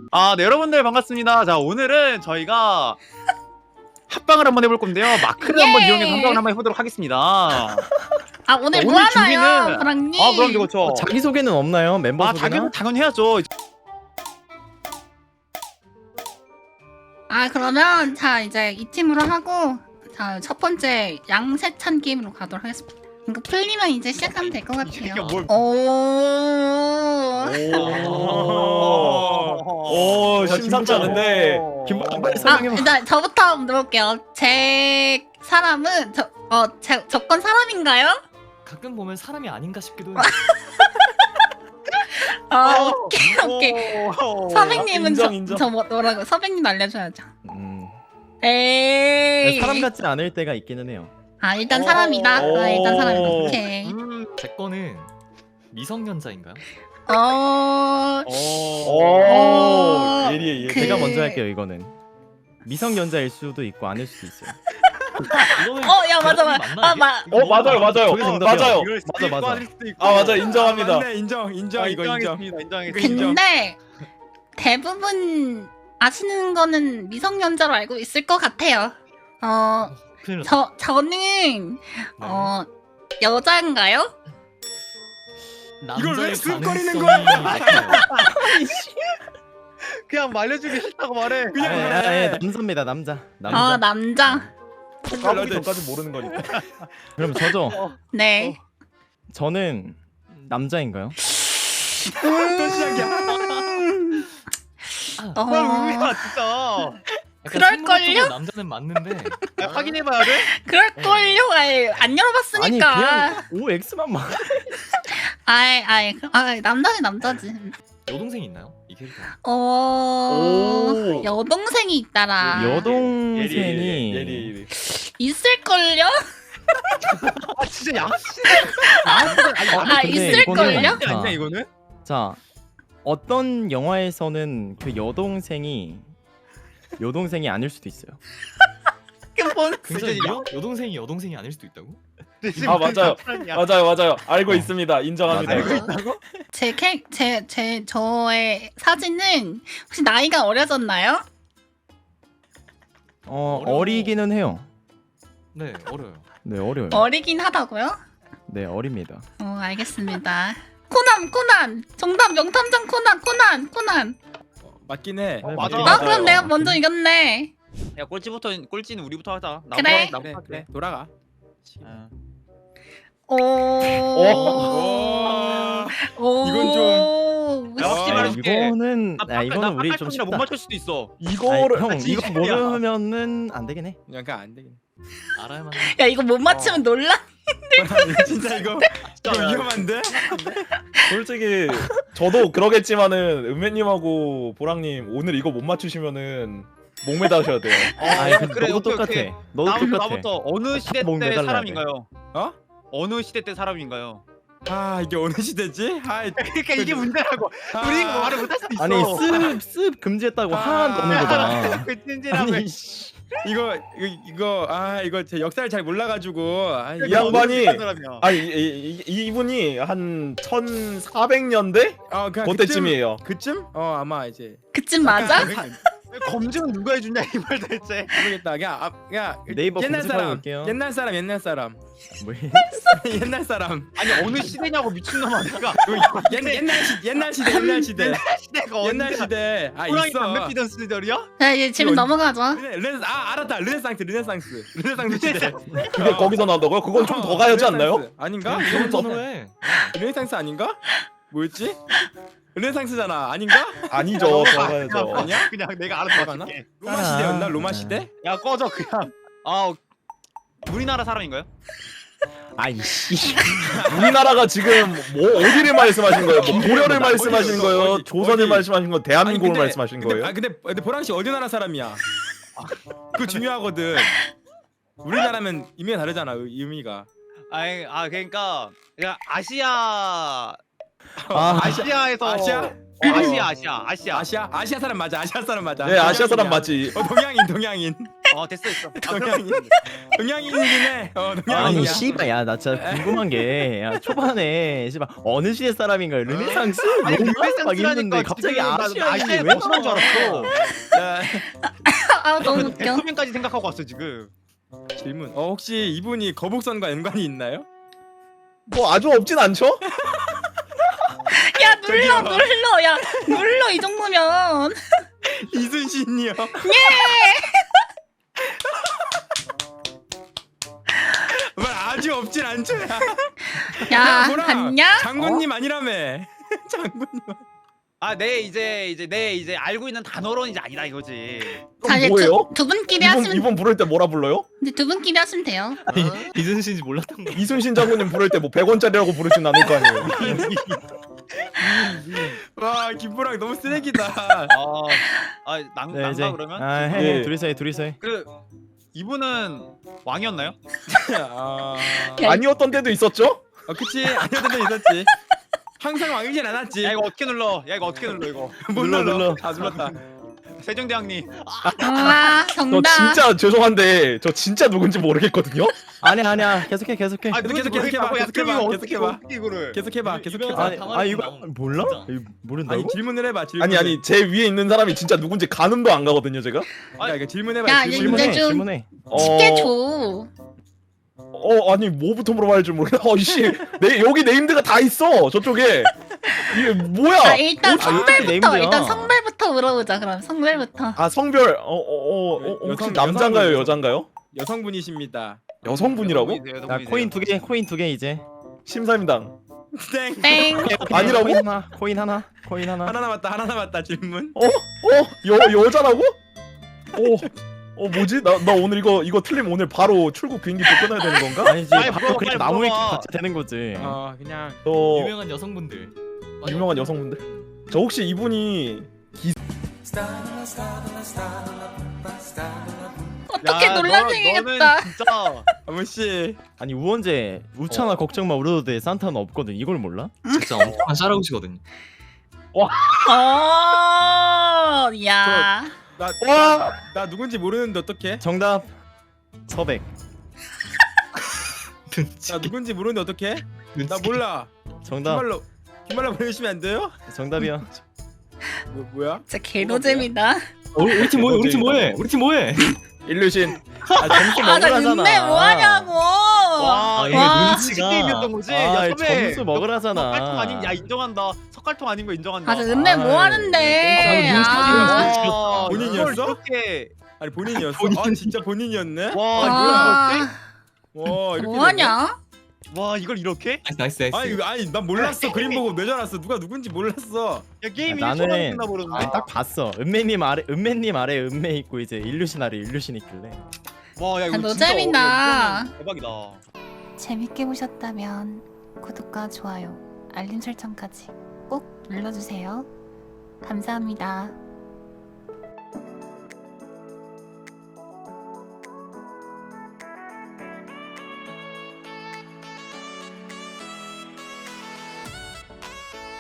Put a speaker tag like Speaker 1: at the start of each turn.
Speaker 1: 네, 여러분들 반갑습니다. 자, 오늘은 저희가 합방을 한번 해볼 건데요. 마크를 한번 이용해서 합방을 한번 해보도록 하겠습니다.
Speaker 2: 아 오늘 뭐
Speaker 1: 오늘
Speaker 2: 하나요,
Speaker 1: 준비는-
Speaker 2: 브랑님?
Speaker 1: 그럼 그렇죠.
Speaker 3: 자기 소개는 없나요? 멤버 소개나?
Speaker 1: 당연히 해야죠.
Speaker 2: 그러면 자 이제 이 팀으로 하고 자 첫 번째 양세찬 게임으로 가도록 하겠습니다. 이거 풀리면 이제 시작하면 될 것 같아요.
Speaker 1: 새끼가 뭘-
Speaker 4: 오, 심상치 않은데.
Speaker 3: 김밥 빨리 설명해봐.
Speaker 2: 일단 저부터 물어볼게요. 제 사람은 제 저건 사람인가요?
Speaker 5: 가끔 보면 사람이 아닌가 싶기도 해요.
Speaker 2: 오케이. 서백님은
Speaker 4: 인정.
Speaker 2: 저 뭐라고? 서백님 알려줘야죠.
Speaker 3: 네,
Speaker 2: 에이.
Speaker 3: 사람 같지 않을 때가 있기는 해요.
Speaker 2: 일단 사람이다. 일단 사람이다. 오케이.
Speaker 5: 제 거는 미성년자인가요?
Speaker 4: 오, 예리해.
Speaker 2: 그-
Speaker 3: 제가 먼저 할게요. 이거는 미성년자일 수도 있고 아닐 수도 있어요.
Speaker 5: 이거는
Speaker 2: 야 맞아.
Speaker 4: 맞아요.
Speaker 3: 저게 정답이야.
Speaker 4: 맞아요.
Speaker 3: 맞아.
Speaker 4: 맞아, 인정합니다.
Speaker 1: 맞네, 인정 이거 인정했습니다.
Speaker 2: 근데 대부분 아시는 거는 미성년자로 알고 있을 것 같아요.
Speaker 5: 큰일 났다.
Speaker 2: 저는
Speaker 5: 네.
Speaker 2: 여자인가요?
Speaker 1: 이걸 왜
Speaker 5: 남자일
Speaker 1: 쓱거리는
Speaker 5: 가능성이
Speaker 1: 거야?
Speaker 5: 높아요.
Speaker 1: 그냥 말려주기 싫다고 말해.
Speaker 3: 남자입니다. 남자.
Speaker 2: 남자.
Speaker 4: 까부기 전까지 모르는 거니까.
Speaker 3: 그럼 저죠.
Speaker 2: 네.
Speaker 3: 저는 남자인가요?
Speaker 1: 또 시작이야. 의미가 진짜.
Speaker 5: 약간
Speaker 2: 그럴걸요?
Speaker 5: 생물학적으로 남자는 맞는데
Speaker 1: 확인해봐야 돼.
Speaker 2: 그럴걸요? 안
Speaker 3: 아니
Speaker 2: 열어봤으니까.
Speaker 3: 그냥 OX만 막.
Speaker 2: 남자는 남자지.
Speaker 5: 여동생 있나요? 이 캐릭터.
Speaker 4: 오.
Speaker 2: 여동생이 있다라.
Speaker 3: 여동생이
Speaker 4: 예리.
Speaker 2: 있을걸요?
Speaker 1: 진짜 양아치.
Speaker 3: 근데
Speaker 2: 있을걸요?
Speaker 3: 이거는-
Speaker 1: 아니야 이거는?
Speaker 3: 자, 어떤 영화에서는 그 여동생이 아닐 수도 있어요.
Speaker 5: 굉장히
Speaker 1: 진짜
Speaker 5: 여동생이 아닐 수도 있다고?
Speaker 4: 맞아요. 알고 있습니다. 인정합니다.
Speaker 3: 맞아요.
Speaker 4: 이거.
Speaker 2: 저의 사진은 혹시 나이가 어려졌나요?
Speaker 3: 어리기는 해요.
Speaker 5: 네, 어려요.
Speaker 3: 네, 어려요.
Speaker 2: 어리긴 하다고요?
Speaker 3: 네, 어립니다.
Speaker 2: 알겠습니다. 코난 정답 명탐정 코난.
Speaker 6: 맞긴 해.
Speaker 3: 네,
Speaker 1: 맞아.
Speaker 3: 맞아요.
Speaker 2: 그럼 내가 먼저 이겼네.
Speaker 1: 야 꼴찌는 우리부터 하자.
Speaker 2: 그래.
Speaker 1: 나부터
Speaker 6: 그래. 돌아가.
Speaker 2: 오.
Speaker 6: 이건
Speaker 2: 좀.
Speaker 1: 야, 확실히 말해줄게.
Speaker 3: 이거는 이거는 우리 좀
Speaker 1: 못
Speaker 3: 쉽다.
Speaker 1: 맞출 수도 있어.
Speaker 4: 이거를
Speaker 3: 형
Speaker 1: 진짜
Speaker 3: 이거 모르면은 안 되긴 해.
Speaker 6: 그냥 안 되긴.
Speaker 5: 알아야만.
Speaker 2: 야 이거 못 맞추면 놀라.
Speaker 6: 진짜 이거
Speaker 1: 진짜
Speaker 6: 위험한데?
Speaker 4: 솔직히 저도 그러겠지만은 은매님하고 보랑님 오늘 이거 못 맞추시면은 목매다셔야 돼요.
Speaker 3: 근데 너도 똑같아. 너도 똑같아.
Speaker 1: 나부터 어느 시대
Speaker 3: 목
Speaker 1: 때
Speaker 3: 매달라야
Speaker 1: 사람인가요?
Speaker 6: 어?
Speaker 1: 어느 시대 때 사람인가요?
Speaker 6: 이게 어느 시대지?
Speaker 1: 그러니까 이게 문제라고. 우리 이거 말을 못할 수도 있어.
Speaker 3: 아니 습 금지했다고 하나도 없는 거잖아.
Speaker 1: 그 찐질함을.
Speaker 3: 아니 씨.
Speaker 6: 이거 제 역사를 잘 몰라가지고
Speaker 4: 이 양반이
Speaker 1: 사람이야.
Speaker 4: 이분이 한 1400년대
Speaker 6: 그냥
Speaker 4: 그때쯤이에요.
Speaker 6: 그쯤? 아마 이제
Speaker 2: 그쯤 맞아?
Speaker 1: 검증은 누가 해주냐 이 말 대체.
Speaker 6: 모르겠다. 그냥
Speaker 3: 네이버
Speaker 6: 옛날
Speaker 3: 검색하고
Speaker 6: 사람.
Speaker 3: 올게요.
Speaker 6: 옛날 사람.
Speaker 3: 뭐
Speaker 6: 옛날 사람.
Speaker 1: 아니 어느 시대냐고 미친놈아 내가.
Speaker 6: 옛날 시대.
Speaker 1: 시대가
Speaker 6: 옛날
Speaker 1: 언제야?
Speaker 6: 시대.
Speaker 1: 호랑이
Speaker 6: 있어.
Speaker 1: 담배 피던 시절이야?
Speaker 2: 자 이제 질문
Speaker 6: 이거
Speaker 2: 넘어가죠.
Speaker 6: 알았다. 르네상스 시대.
Speaker 4: 그게 거기서 나온다고요? 그건 좀 더 가야지 않나요?
Speaker 6: 르네상스. 아닌가?
Speaker 5: 이런 ton으로 해.
Speaker 6: 르네상스 아닌가? 뭐였지? 르네상스잖아. 아닌가?
Speaker 4: 아니죠. 더 가야죠.
Speaker 6: 아니야?
Speaker 1: 그냥 내가 알아서
Speaker 6: 가나?
Speaker 1: 맞출게.
Speaker 6: 로마 시대였나? 로마 시대?
Speaker 1: 야 꺼져 그냥. 우리나라 사람인가요?
Speaker 3: 아이씨.
Speaker 4: 우리나라가 지금 뭐 어디를 말씀하신 거예요? 뭐 고려를 말씀하시는 거예요?
Speaker 6: 어디?
Speaker 4: 조선을 말씀하시는 거예요? 대한민국을
Speaker 6: 아니, 근데-
Speaker 4: 말씀하시는 거예요?
Speaker 6: 근데 보랑 씨 어디 나라 사람이야? 그거 중요하거든. 우리나라면 의미가 다르잖아. 의미가.
Speaker 1: 그러니까 아시아
Speaker 3: 아,
Speaker 1: 아시아에서
Speaker 6: 아시아?
Speaker 1: 아시아
Speaker 6: 아시아 사람 맞아.
Speaker 4: 네, 아시아 사람 맞지.
Speaker 6: 동양인.
Speaker 1: 됐어.
Speaker 6: 동양인이긴 해.
Speaker 3: 아니
Speaker 6: 동양인이야.
Speaker 3: 씨발 야 나 진짜 궁금한 게 야, 초반에 씨발 어느 시대 사람인가 르네상스?
Speaker 1: 아니
Speaker 3: 로마? 막
Speaker 1: 르네상스라니까
Speaker 3: 이랬는데 갑자기
Speaker 1: 지금 나
Speaker 3: 아시아인이
Speaker 1: 아시아에
Speaker 3: 왜
Speaker 1: 벗어난 줄 알았어.
Speaker 6: 야,
Speaker 2: 아 너무 웃겨.
Speaker 1: 대통령까지 생각하고 왔어 지금.
Speaker 6: 질문. 혹시 이분이 거북선과 연관이 있나요?
Speaker 4: 뭐 아주 없진 않죠?
Speaker 2: 야 눌러 야 눌러 이 정도면.
Speaker 6: 이순신이요. 말 아주 없진 않죠.
Speaker 2: 야
Speaker 6: 뭐라?
Speaker 2: 봤냐?
Speaker 6: 장군님 아니라며. 장군님.
Speaker 1: 내 이제 알고 있는 단어로는 이제 아니다 이거지.
Speaker 2: 자 이제
Speaker 4: 뭐예요?
Speaker 2: 두 분끼리 하시면
Speaker 4: 이분 부를 때 뭐라 불러요?
Speaker 2: 이제 두 분끼리 하시면 돼요.
Speaker 5: 이순신인지 몰랐던 거.
Speaker 4: 이순신 장군님 부를 때 뭐 100원짜리라고 부르진 않을 거 아니에요.
Speaker 6: 와 김부랑 너무 쓰레기다.
Speaker 1: 난가 그러면?
Speaker 3: 해
Speaker 4: 예.
Speaker 3: 둘이서 해
Speaker 1: 그 이분은 왕이었나요?
Speaker 4: 아니었던 때도 있었죠?
Speaker 6: 그치 아니었던 데 있었지. 항상 왕이진 않았지.
Speaker 1: 야 이거 어떻게 눌러? 이거.
Speaker 6: 못
Speaker 4: 눌러.
Speaker 6: 다 눌렀다.
Speaker 1: 세종대왕님.
Speaker 4: 저
Speaker 2: 정답.
Speaker 4: 진짜 죄송한데 저 진짜 누군지 모르겠거든요?
Speaker 3: 아니야 계속해
Speaker 1: 누군지
Speaker 6: 계속해봐,
Speaker 1: 모르겠다고. 야,
Speaker 6: 계속해봐,
Speaker 1: 그럼 이거
Speaker 6: 계속해봐.
Speaker 1: 어떻게 이거를?
Speaker 6: 계속해봐.
Speaker 3: 아니 이거 몰라? 이거
Speaker 6: 아니
Speaker 3: 모른다고?
Speaker 6: 질문을 해봐. 질문.
Speaker 4: 아니 제 위에 있는 사람이 진짜 누군지 가늠도 안 가거든요 제가?
Speaker 6: 야 이거 질문해봐.
Speaker 2: 야,
Speaker 6: 질문.
Speaker 2: 이제 좀-
Speaker 3: 질문해
Speaker 2: 쉽게 줘.
Speaker 4: 아니 뭐부터 물어봐야 할지 모르겠다. 씨, 여기 네임드가 다 있어 저쪽에. 이게 뭐야?
Speaker 2: 자 일단
Speaker 3: 어떻게
Speaker 2: 성별부터
Speaker 3: 네임드야?
Speaker 2: 일단 성별부터 물어보자. 그럼 성별부터.
Speaker 4: 아 성별 혹시
Speaker 6: 여성-
Speaker 4: 남잔가요
Speaker 6: 여성분이죠.
Speaker 4: 여잔가요?
Speaker 6: 여성분이십니다.
Speaker 4: 여성분이라고?
Speaker 3: 야 코인 두 개 이제
Speaker 4: 심사임당.
Speaker 6: 땡.
Speaker 2: 땡.
Speaker 4: 아니라고?
Speaker 3: 코인 하나
Speaker 6: 하나 남았다 질문.
Speaker 4: 여자라고? 뭐지? 나 오늘 이거 틀리면 오늘 바로 출국 비행기 또 끊어야 되는 건가?
Speaker 3: 아니지
Speaker 1: 빨리
Speaker 3: 바로
Speaker 1: 물어봐,
Speaker 3: 그냥
Speaker 1: 빨리
Speaker 3: 나무 위키
Speaker 1: 물어봐.
Speaker 3: 같이 되는 거지
Speaker 6: 그냥
Speaker 5: 유명한 여성분들.
Speaker 4: 유명한 여성분들. 저 혹시 이분이
Speaker 2: 어떻게
Speaker 1: 야,
Speaker 2: 논란생이겠다.
Speaker 1: 너는 진짜
Speaker 6: 아무 씨.
Speaker 3: 아니 우원재 우찬아 걱정 마 우려도 돼 산타는 없거든 이걸 몰라?
Speaker 5: 진짜 엄청난 샤라우시거든요.
Speaker 2: 야.
Speaker 6: 나 누군지 모르는데 어떡해?
Speaker 3: 정답 서백
Speaker 6: 나 누군지 모르는데 어떡해? 나 몰라.
Speaker 3: 정답
Speaker 6: 김말로 보내주시면 안 돼요?
Speaker 3: 정답이야
Speaker 6: 뭐야?
Speaker 2: 진짜 개노잼이다.
Speaker 5: 우리 팀 뭐해? 우리 팀 뭐해?
Speaker 4: 일류신.
Speaker 3: 점수
Speaker 2: 아 나
Speaker 3: 먹으라잖아
Speaker 2: 눈매 뭐하냐고.
Speaker 1: 와
Speaker 5: 이게
Speaker 2: 와.
Speaker 5: 눈치가.
Speaker 1: 게임이었던 거지. 야 선배.
Speaker 3: 점수 먹으라잖아
Speaker 1: 석갈통 아닌 야 인정한다. 석갈통 아닌 거 인정한다.
Speaker 2: 아 저 은매 뭐하는데.
Speaker 1: 와,
Speaker 6: 본인이었어?
Speaker 1: 이걸 이렇게
Speaker 6: 아니 본인이었어? 아 진짜 본인이었네?
Speaker 1: 와
Speaker 2: 아,
Speaker 6: 와 이렇게
Speaker 2: 뭐하냐?
Speaker 1: 와 이걸 이렇게?
Speaker 5: 나이스.
Speaker 6: 아니 난 몰랐어. 그림 보고 뇌전 왔어. 누가 누군지 몰랐어.
Speaker 1: 야 게임이
Speaker 3: 나는-
Speaker 1: 1초 만에 끝나버렸네.
Speaker 3: 딱 봤어 은매님 아래 은매 있고 이제 일루신 아래 일루신 있길래
Speaker 1: 와 야 이거
Speaker 2: 아,
Speaker 1: 진짜
Speaker 2: 노잼이다.
Speaker 1: 이거는 대박이다.
Speaker 7: 재밌게 보셨다면 구독과 좋아요, 알림 설정까지 꼭 눌러주세요. 감사합니다.